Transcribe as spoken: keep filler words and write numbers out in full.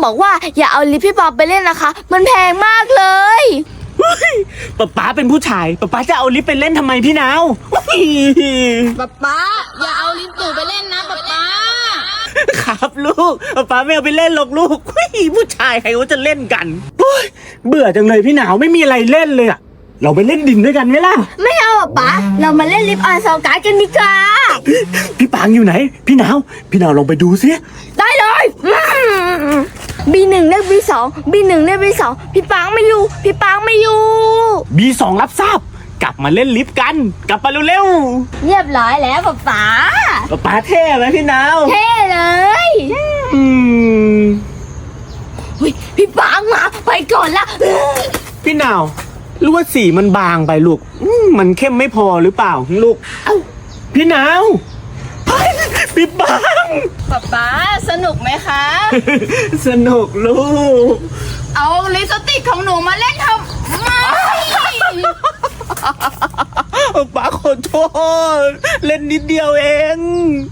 บอกว่าอย่าเอาลิฟต์พี่ปอไปเล่นนะคะ มันแพงมากเลยป๊าป๊าเป็นผู้ชายป๊าป๊าจะเอาลิฟต์ไปเล่นทำไมพี่นาวป๊าป๊าอย่าเอาลิฟต์หนูไปเล่นนะป๊าป๊าครับลูกป๊าป๊าไม่เอาไปเล่นหรอกลูกผู้ชายใครเขาจะเล่นกันเบื่อจังเลยพี่หนาวไม่มีอะไรเล่นเลยอะเราไปเล่นดินด้วยกันไหมล่ะไม่เอาอะป๊าเรามาเล่นลิฟต์ออนซาวการ์ดกันดีกว่าพี่ปางอยู่ไหนพี่หนาวพี่หนาวลองไปดูสิได้เลยบีหนึ่งเรียกบีสองบีหนึ่งเรียกบีสองพี่ปังไม่อยู่พี่ปังไม่อยู่บีสองรับทราบกลับมาเล่นลิฟต์กันกลับมาเร็วเรียบร้อยแล้วป๊าป๊าๆป๊าป๊าเท่ไหมพี่หนาวเท่เลยอืมเฮ้ยพี่ปังมาไปก่อนละพี่หนาวรู้ว่าสีมันบางไปลูกอืมมันเข้มไม่พอหรือเปล่าลูกเอ้าพี่หนาวเฮ้ยพี่ปังป๊าป๊าสนุกไหมคะสนุกลูกเอาลิปสติกของหนูมาเล่นทำไมป๊าขอโทษเล่นนิดเดียวเอง